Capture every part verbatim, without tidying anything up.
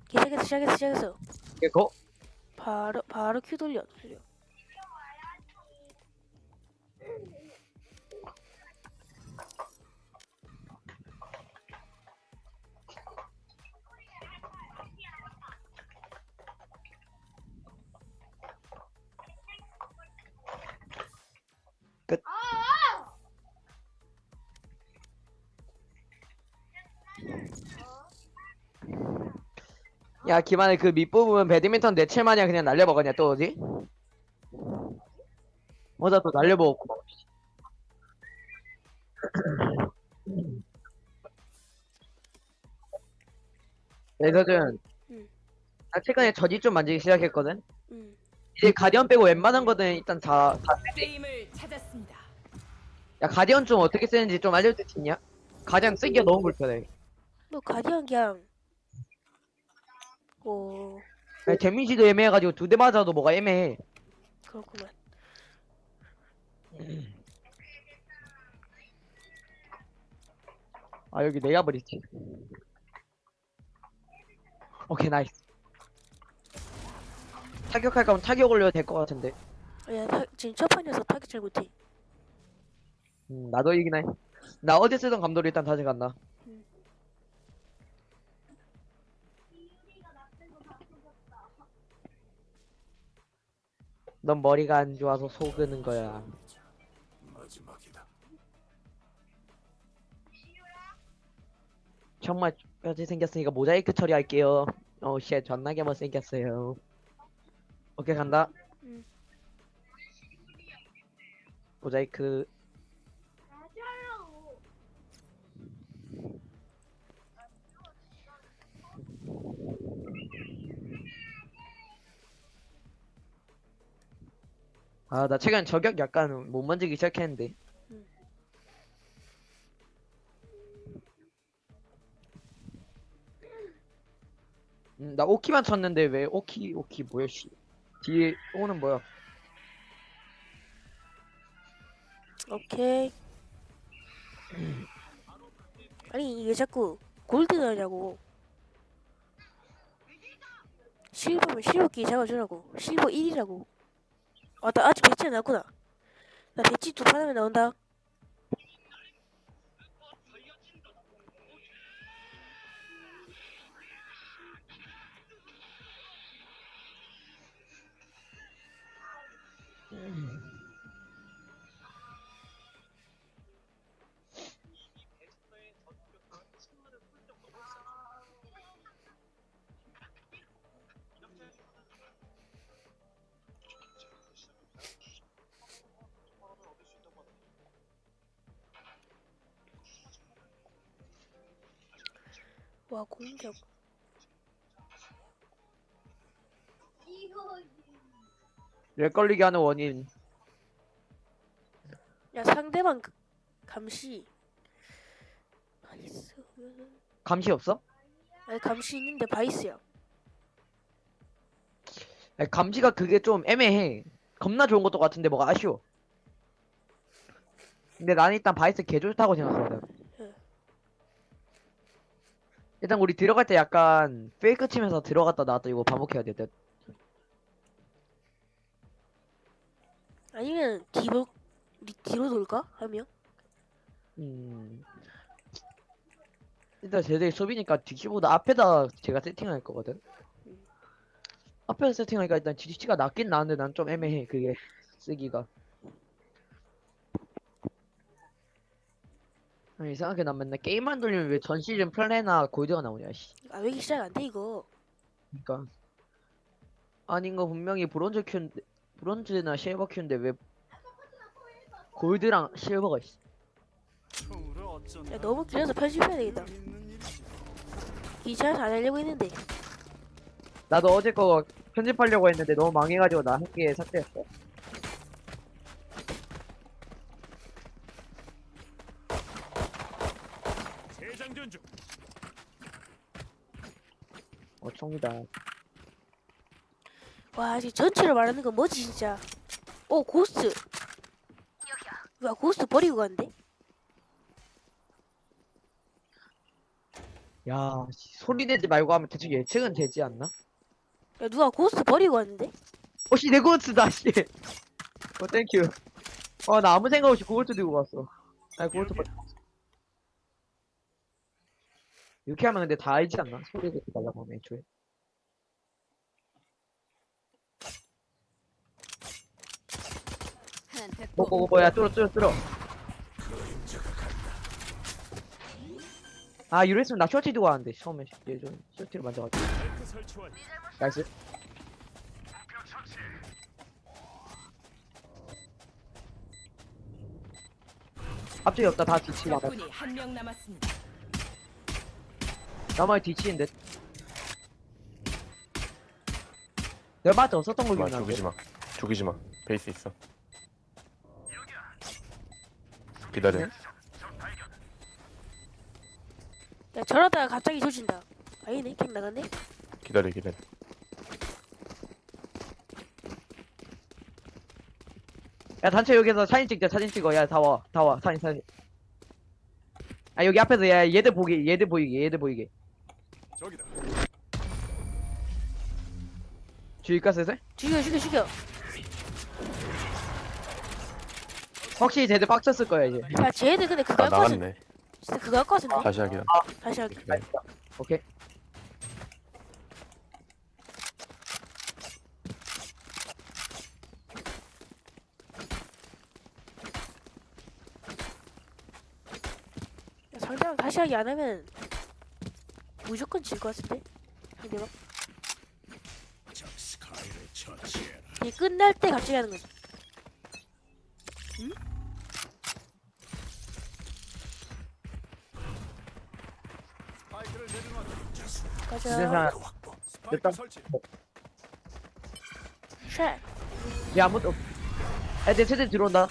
시작했어 시작했어 시작했어. 이거 바로 바로 큐 돌려 돌려. 끝. 야 기만에 그 밑부분 배드민턴 네칠 마냥 그냥 날려먹었냐 또 어디? 어자 또 날려먹었고. 그래서는 응. 나 최근에 저지 좀 만지기 시작했거든. 응. 이제 가디언 빼고 웬만한 거는 일단 다, 다 쓰지. 게임을 찾았습니다. 야 가디언 좀 어떻게 쓰는지 좀 알려줄 수 있냐? 가디언 쓰기가 너무 불편해. 뭐 가디언 그냥 뭐 야, 데미지도 애매해가지고 두 대 맞아도 뭐가 애매해. 그렇구만. 아 여기 내가 버리지. 오케이 나이스. 타격할 거면 타격 올려도 될 것 같은데. 야 타, 지금 첫 판에서 타격 잘 못해. 음, 나도 이긴 해. 나 어제 쓰던 감도를 일단 다시 간다. 응. 넌 머리가 안 좋아서 속으는 거야. 정말 뼈지 생겼으니까 모자이크 처리할게요. 어우 쉣 존나게 못생겼어요. 오케이 간다. 응. 모자이크. 아 나 최근 저격 약간 못 만지기 시작했는데. 응. 음, 나 오키만 쳤는데 왜 오키 오키 뭐야 씨. 뒤에 오는 뭐야? 오케이. 아니 이게 자꾸 골드 나냐고. 실버면 실버끼리 잡아주라고. 실버 일이라고. 아, 나 아직 배치 안 나왔구나. 나 배치 두 판 하면 나온다. 와 공격. 렉 걸리게 하는 원인. 야 상대방 그- 감시. 바이스. 감시 없어? 아니 감시 있는데 바이스야. 아니, 감시가 그게 좀 애매해. 겁나 좋은 것도 같은데 뭐가 아쉬워. 근데 나는 일단 바이스 개 좋다고 생각하거든. 예. 일단 우리 들어갈 때 약간 페이크 치면서 들어갔다 나왔다 이거 반복해야 돼. 듯. 아니면 뒤로 우리 뒤로 돌까 하면. 음. 일단 쟤들이 수비니까 뒤치보다 앞에다 제가 세팅할 거거든. 음. 앞에서 세팅하니까 일단 뒤치가 낫긴 나은데 난 좀 애매해 그게 쓰기가. 아니, 이상하게 난 맨날 게임만 돌리면 왜 전 시즌 플레나 골드가 나오냐 씨. 아 왜 이렇게 시작 안 돼 이거. 그니까 아닌 거 분명히 브론즈 큐인데 브론즈나 실버 큐인데 왜 골드랑 실버가 있어. 야 너무 길어서 편집해야 되겠다. 귀찮아서 안 하려고 했는데. 나도 어제 거 편집하려고 했는데 너무 망해가지고 나 한개 삭제했어. 재장전 중. 어 총이다. 와 지금 전체로 말하는 건 뭐지 진짜. 오 고스트. 와 고스트 버리고 간대. 야, 씨, 소리 내지 말고 하면 대충 예측은 되지 않나? 야 누가 고스트 버리고 왔는데? 어씨 내 고스트다 씨. 어 땡큐. 어 나 아무 생각 없이 고스트 들고 갔어. 아니 고스트 버리. 이렇게 하면 근데 다 알지 않나? 소리 내지 말라고 하면 애초에. 뭐뭐 뭐야 뚫어 뚫어 뚫어. 아 이랬으면 나 셔츠 들고 왔는데 처음에 예전 셔츠를 먼저 갔지. 마이크 설치 완료. 나이스. 앞쪽이 없다 다 뒤치 나가. 적군이 한 명 남았습니다. 나만 뒤치인데. 내가 맞아 썼던 걸 마 기억나는데. 죽이지 마. 죽이지 마. 베이스 있어. 기다려. 네? 야 저러다가 갑자기 조진다. 아니네 캠 나갔네. 기다려 기다려. 야 단체 여기서 사진 찍자 사진 찍어 야 다 와 다 와 사진 사진 아 여기 앞에서 야 얘들 보기 얘들 보이게 얘들 보이게 저기다. 주의가 슬슬 죽여 죽여 죽여. 확실히 쟤들 빡쳤을 거야 이제 야 쟤네들 근데 그거 아 할 것 같은데. 나갔네. 진짜 그거 할 것 같은데. 다시 하기다. 다시 하기. 기다려. 오케이 야, 상대방 다시 하기 안 하면 무조건 질 것 같은데. 상대방. 적 스카이를 처치해라. 이 끝날 때 갑자기 하는 거지. 응? 스파이크를 내려놓았다. 이제 가자. 사 확보. 스파이크 됐다. 설치. 샷. 얘 아무도 애들 쟤들 들어온다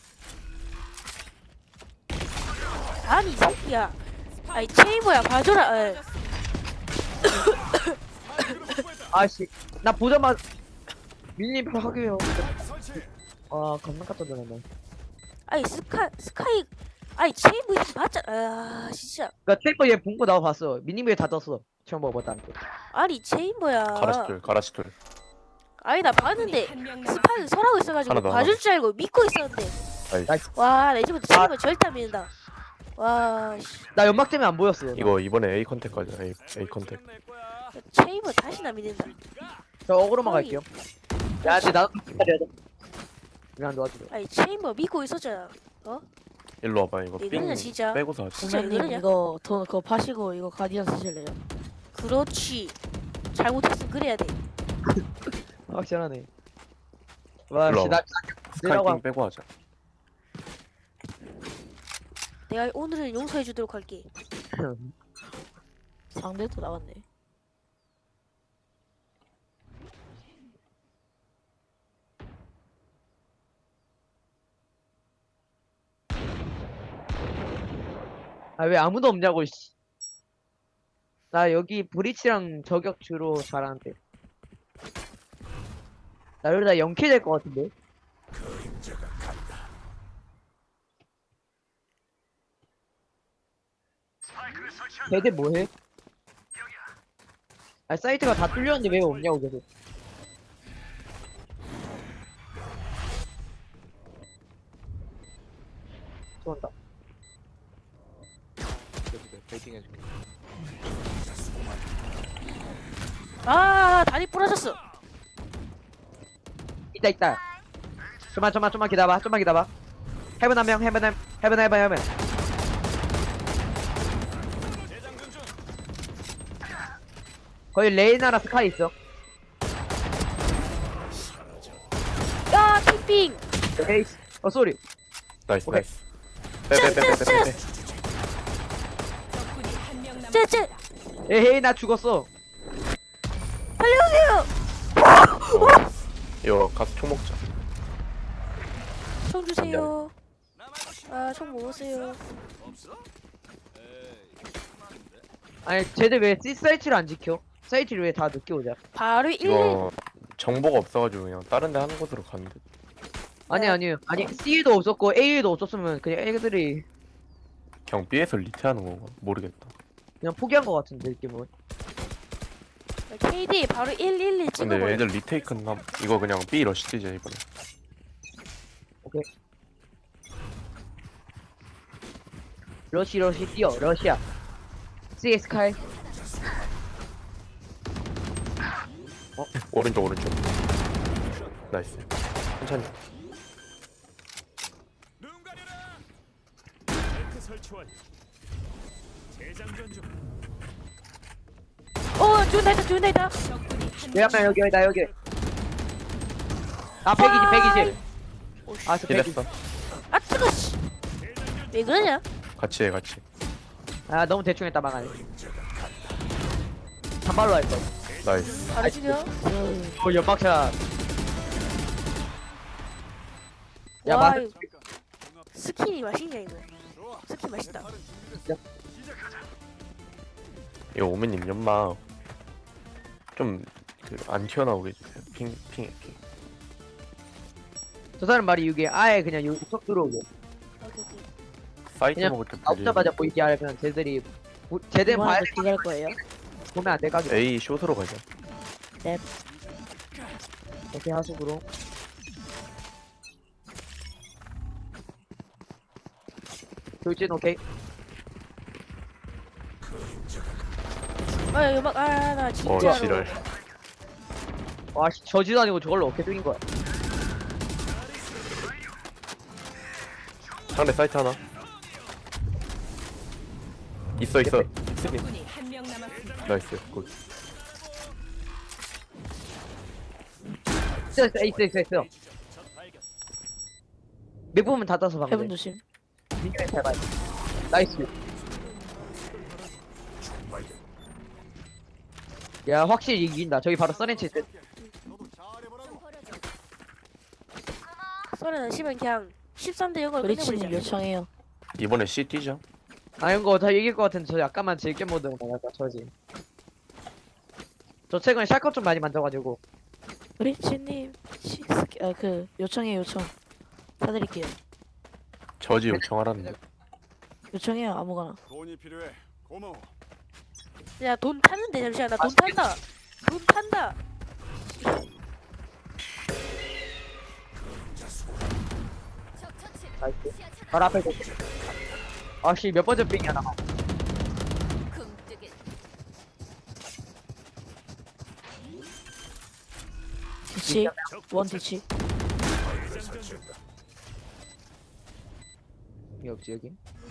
아니 이 새끼야. 아이 체이버야 봐줘라. 에. 스파이크를 확보했다. 아씨 나 보자마자 밀림 하게요 스파이크 설치. 아 겁나 깜짝 놀랐네 아이 스카 스카이. 아이 체이버 이렇게 봤잖아. 아 진짜. 그니까 테이퍼 얘 본거 나와 봤어 미니맵에 다 떴어 처음 먹어봤다 아니 체이버야. 가라시돌 가라시돌. 아니 나 봤는데 한명 스파이 설하고 있어가지고 하나 더, 봐줄 줄 알고 믿고 있었는데. 나이스. 와 나 이제부터 체이버 절대 안 믿는다. 와 씨. 나 연막 때문에 안 보였어 이거 이번에 A 컨택 가자. A A 컨택. 내 거야. 체이버 다시는 안 믿는다. 저 어그로만 갈게요 야 근데 나도 기다려야 돼 왜안 도와주려 아니 체이버 믿고 있었잖아. 일로 와봐. 이거 이거는 삥 진짜- 빼고서 하자. 진짜 선배님 이러냐? 이거 돈 그거 파시고 이거 가디언 쓰실래요? 그렇지. 잘못했으면 그래야 돼. 확실하네 일로 와씨 와봐. 나 스카이 내려가 삥 빼고 하자. 내가 오늘은 용서해 주도록 할게. 상대도 나왔네. 아 왜 아무도 없냐고 씨. 나 여기 브리치랑 저격 주로 잘하는데 나 이러다 영킬 될 것 같은데 그림자가 간다. 걔들 뭐해? 아 사이트가 다 뚫렸는데 왜 없냐고 계속 쏘한다 베이팅 해줄게. 아 다리 부러졌어. 있다 있다 좀만 좀만 좀만 기다려봐 좀만 기다려봐 헤븐 한명 헤븐 한 헤븐 헤븐 헤븐 재장전 중. 거기 레이나랑 스카이 있어 야 핑핑. 에이스 어 쏘리 나이스 오케이. 나이스. 빼빼빼빼빼. 적군이 한 명 쟤쟤 남았습니다. 에헤이 나 죽었어 살려주세요. 이거 가서 총 먹자. 총 주세요. 나 말고 시- 아총 먹었어요. 없어? 에이. 많은데. 아니 쟤들 왜 C 사이트를 안 지켜? 사이트를 왜 다 늦게 오자 바로 일. 이거 정보가 없어가지고 그냥 다른 데 하는 곳으로 갔는데. 아니 아니 아니 C에도 없었고 A에도 없었으면 그냥 애들이 그냥 B에서 리트하는 건가? 모르겠다. 그냥 포기한 거 같은데 느낌은. 케이디 바로 일일일 근데 찍어버려. 애들 리테이크 나 이거 그냥 B 러시 뛰자 이번에. 러시 러시 뛰어 러시아. 씨에스 칼. 오른쪽 오른쪽. 나이스. 천천히. 눈 가려라. 벨트 설치 완료. 재장전 중. 어 좋은 날다 좋은 날다. 적군이 한 여기 한명 여기 나 여기. 아 백이십 백이십. 오씨. 아저 백이십. 힐했어. 아 뜨거 씨. 왜 그러냐? 같이 해 같이. 아 너무 대충 했다 망하네. 단발로 할 거. 나이스. 바로 죽여. 어 연막샷. 야 와 맞. 이거 스킨이 맛있냐 이거. 좋아. 스킨 맛있다. 팔은 준비됐어. 시작하자. 이거 오메님 연막 좀그안 튀어나오게 해주세요. 핑 핑. 핑. 저 사람 말이 이게 아예 그냥 여기 쏙 들어오고. 오케이 오케이. 사이트 그냥 먹을 때 나오자마자 보이게 하려면 쟤들이 보- 쟤들 봐야 이번에도 기다릴 거예요. 보면 안 될까? A 숏으로 가자. 오케이 하수구로. 돌진 오케이. 아 음악 아나 어 진짜로. 지랄. 와씨 저지도 아니고 저걸로 어떻게 뚫린 거야? 상대 사이트 하나. 있어 있어. 있으니. 적군이 한 명 남았습니다. 나이스. 굿. 있어 있어 있어 있어 있어. 몇 부분 다 따서 방금. 해븐 조심. 민경이 잘 봐요. 나이스. 야 확실히 이긴다. 저기 바로 써렌치 때. 너도 잘해보라고. 소리는 시면 그냥 십삼 대 영으로 브리치님 끝내버리자. 요청해요. 이번에 C 뛰자. 아 이거 다 이길 것 같은데 저 약간만 즐겨 모드로 나갈까 저지. 저 최근에 샷건 좀 많이 만져가지고. 브리치님 아그 요청해 요청. 사드릴게요. 저지 요청하라는데. 요청해요 아무거나. 돈이 필요해. 고마워. 야 돈 타는데 잠시만 나 돈 탄다. 돈 탄다. 나이스. 바로 앞에. 아씨 몇 번째 빙이야 나. 뒤치 원 뒤치. 여기 없지 여기.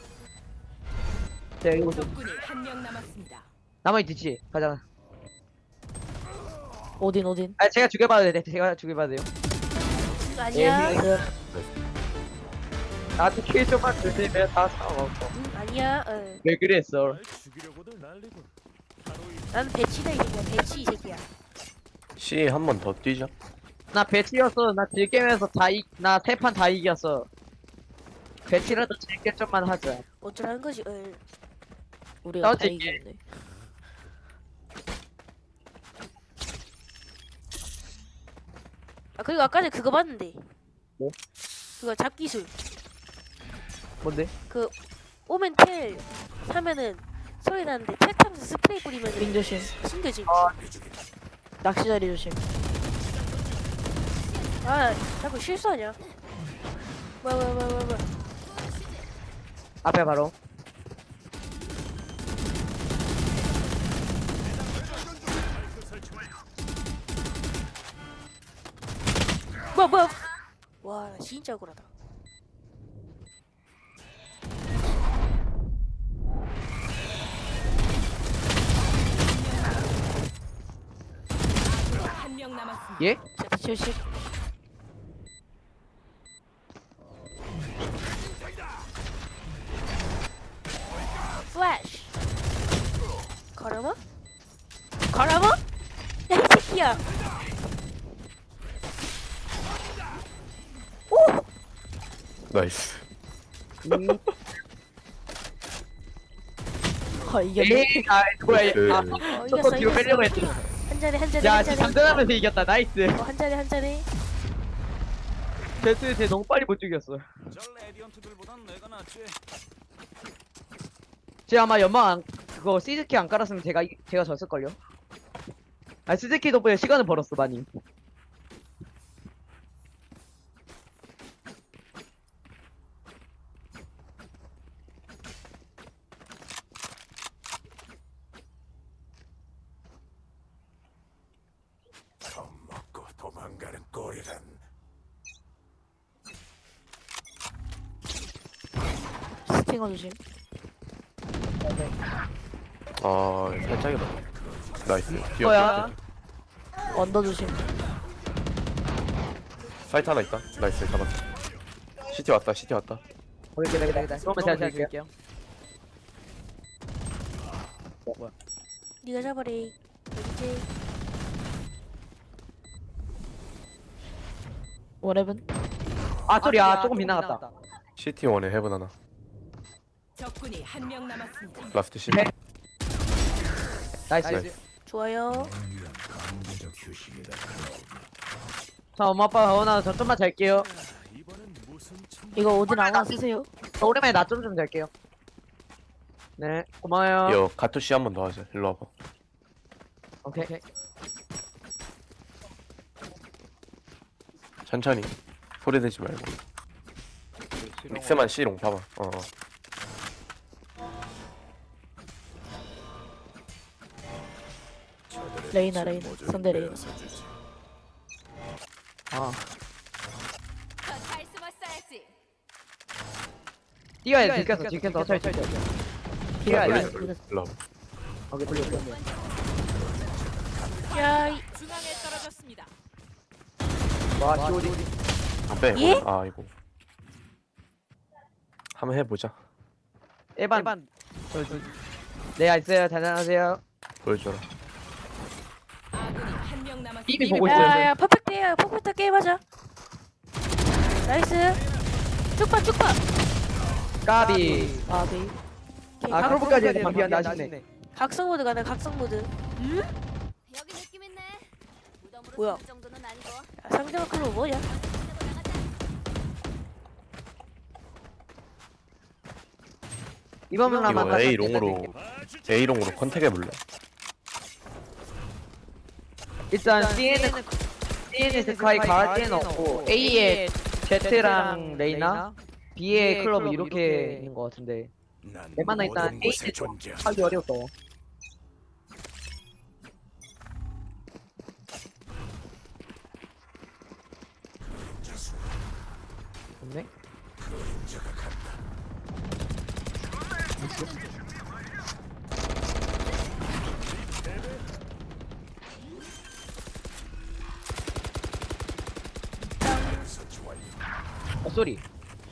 자 이거 좀 적군이 한 명 남았습니다. 나머지 뒤지 가자. 오딘 오딘. 아 제가 죽여봐도 돼. 제가 죽여봐도 돼요. 아니야. 예. 그 나한테 킬 좀만 주시면 다 상관없어. 응, 아니야. 어. 왜 그랬어? 날 죽이려고들 난리군. 하루 나는 배치다 이 새끼야. 배치 이 새끼야. C 한 번 더 뛰자. 나 배치였어. 나 질게임에서 다 이, 나 세 판 다 이겼어. 배치라도 질게 좀만 하자. 어쩌라는 거지. 어. 우리가 다 나머지 이기는데. 아 그리고 아까 전에 그거 봤는데. 뭐? 그거 잡기술. 뭔데? 오멘텔 하면은 소리 나는데 텔 타면서 스프레이 뿌리면 윙 조심. 숨겨지. 낚시 자리 조심. 아 자꾸 실수하냐? 뭐야 뭐야 뭐야 뭐야 뭐야. 앞에 바로. 뭐야 뭐야. 와 나 진짜 억울하다. 한 명 남았습니다. 예? 자, 칠십. 플래시. 걸어머? 걸어머? 야이 새끼야. 오! 나이스. 음, 아 이겼네. 에이, 아, 뭐야, 얘. 그 아, 어, 저거 이겼어 뒤로 빼려고 이겼어. 했지. 한 잔에 한 잔에 야, 한 진짜 잔에. 장전하면서 이겼다. 나이스. 어, 한 잔에 한 잔에. 제트, 쟤 너무 빨리 못 죽였어. 저 레디언트들보단 내가 낫지. 쟤 아마 연막 안, 그거 시즈키 안 깔았으면 제가 이- 제가 졌을걸요. 아 시즈키 덕분에 시간을 벌었어 많이. 겁먹고 도망가는 꼴이란. 스팅어 조심. 아 살짝이다. 나이스. 뭐야? 언더 조심. 사이트 하나 있다. 나이스 잡았어. 시티 왔다. 시티 왔다. 오케이 기다 기다 기다. 그러면 제가 제가 드릴게요. 네가 잡아래. 이제 원해븐. 아 소리야 조금 빗나갔다. 시티 원에 헤븐 하나. 적군이 한 명 남았습니다. 라스트 시티. 네. 나이스. 나이스. 좋아요. 강제적 휴식이다. 자 엄마 아빠 어나 저 좀만 잘게요. 이번엔 무슨 참. 이거 오딘 아무나 쓰세요. 저 오랜만에 낮 좀 좀 잘게요. 네 고마워요. 이거 가투시 한 번 더 하자. 일로 와봐. 오케이. 천천히. 소리 내지 말고. 믹스만 C롱 봐봐. 어. 어. 레이나 레이나. 상대 레이나. 아 잘 숨었어야지. 뛰어야 돼. 들켰어 들켰어. 어차피 들켰어. 뛰어야 돼. 돌려, 돌려. 일로 와봐. 오케이 돌려 돌려. 야, 이- 중앙에 떨어졌습니다. 와 시오디. 아, 빼. 예? 아 이거. 한번 해보자. 일반. 저, 저, 네 알겠어요. 안녕하세요. 보여줘라. 아군이 한 명 남았습니다. 이미 보고 있어요. 야, 야, 퍼펙트야. 퍼펙트 게임 하자. 나이스. 쭉봐, 쭉봐. 까비. 아비. 오케이, 아 각- 크로브까지 해도 반피한데 아쉽네. 각성 모드 가네. 각성 모드. 음? 여기 느낌 있네. 무덤으로 뭐야? 쓸 정도는 아니고. 야, 상대가 클로 뭐냐? 이번 이거 라만 A 롱으로 A 롱으로 컨택 해볼래? 일단 C에는 C에는 스카이 가할 데는 없고 A에 제트랑 레이나 B에 클럽 이렇게 있는 것 같은데 난 웬만한 일단 모든 곳에 A에 존재. 하기 어려웠어. 없네? 어 쏘리.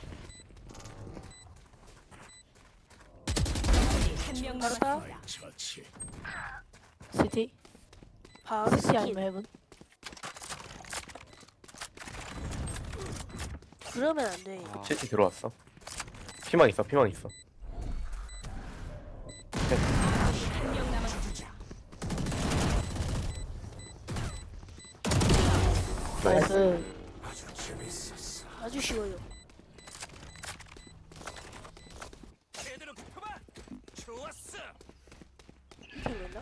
한 명 바로다. 남았습니다. 처치. 시티. 바로 시티 스킨. 아니면 헤븐. 그러면 안 돼. 시티 들어왔어. 피망 있어. 피망 있어. 한 명 남았습니다. 나이스. 나이스. 아주 재밌었어. 아주 쉬워요. 제대로 붙어봐. 좋았어. 이렇게 된다?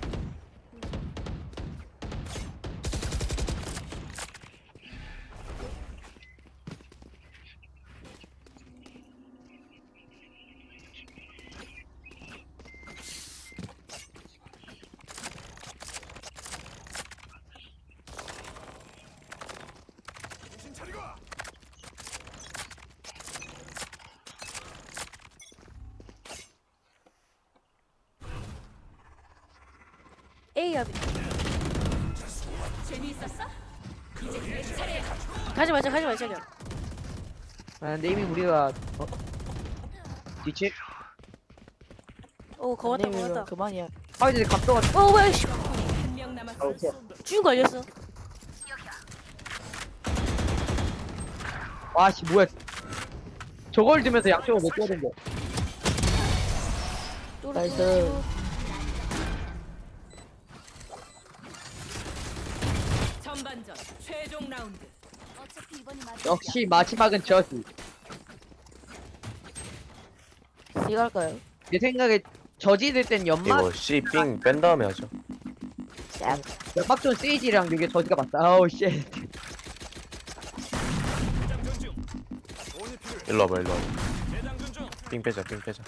정신 차리고. A 합이. 재미있었어? 가지 말자, 가지 말자, 그냥. 아 근데 이미 우리가 어? 뒤치? 오, 거왔다, 아니면 거왔다. 그만이야. 아 이제 각도가 어, 뭐야, 씨. 한 명 남았습니다. 준 걸렸어. 와씨 뭐야? 저걸 들면서 양쪽을 못 뛰어든 거. 또 나이스. 전반전 최종 라운드. 어차피 이번이 마지막이야. 역시 마지막은 저스. C 갈까요? 내 생각에 저지될 땐 연막 이거 C 삥 뺀 다음에 하죠. 연막존 세이지랑 이게 저지가 맞다. 아우 씨. 대장전 중. 돈이 필요해. 일로 와봐, 일로 와봐. 대장전 중. 삥 빼자, 삥 빼자.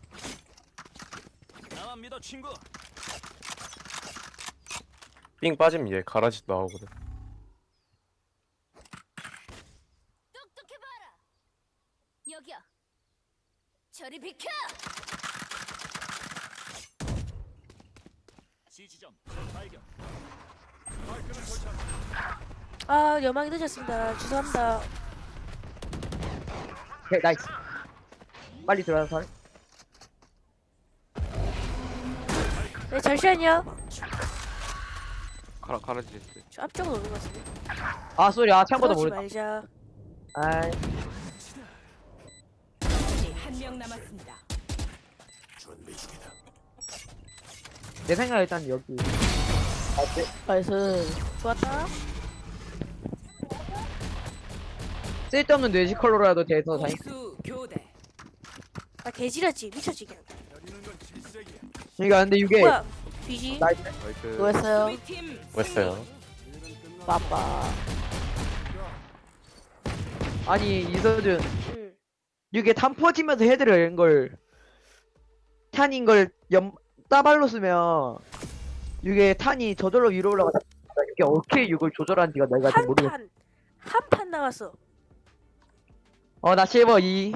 나만 믿어 친구. 삥 빠지면 얘 가라지 나오거든. 똑똑해봐라. 여기야. 저리 비켜. 지지점 발견. 마이크를 설치한다. 아 여망이 늦었습니다. 죄송합니다. 오케이 나이스. 빨리 들어가서 살. 네 잠시만요. 가라 가라지 됐어. 저 앞쪽으로 오는 것 같은데. 아 쏘리 아 참고도 그러지 모르. 말자. 아이 적군이 한 명 남았습니다. 준비 중이다. 내 생각 일단 여기. 나이스. 좋았다. 쓸데없는 뇌지컬로라도 돼서 다행. 공수 교대. 아 개지렸지 미쳤지 그냥. 기다리는 건 질색이야. 그러니까 근데 이게 뭐야? 뒤지. 나이스. 나이스. 수고했어요. 수비팀 했어요. 빠빠. 아니 이서준 응. 이게 탄 퍼지면서 헤드를 낸 걸 탄인 걸 염 따발로 쓰면 이게 탄이 저절로 위로 올라가다 이게 어떻게 이걸 조절하는지가 내가 잘 한 모르겠어. 판. 한 판 남았어. 어나 실버 이.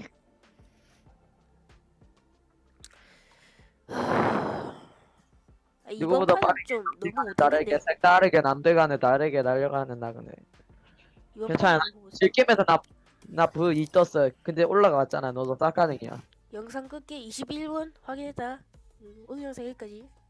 아, 이번 누구보다 판은 빠르게 좀 너무 다르게 못했는데. 색다르게 남들과는 다르게 날려가는 나그네. 이번 괜찮아. 판은 너무 못했어. 질겜에서 나나브 이 떴어. 근데 올라갔잖아. 너도 싹가능이야. 영상 끝게 이십일 분 확인했다. 음, 오늘 영상 여기까지.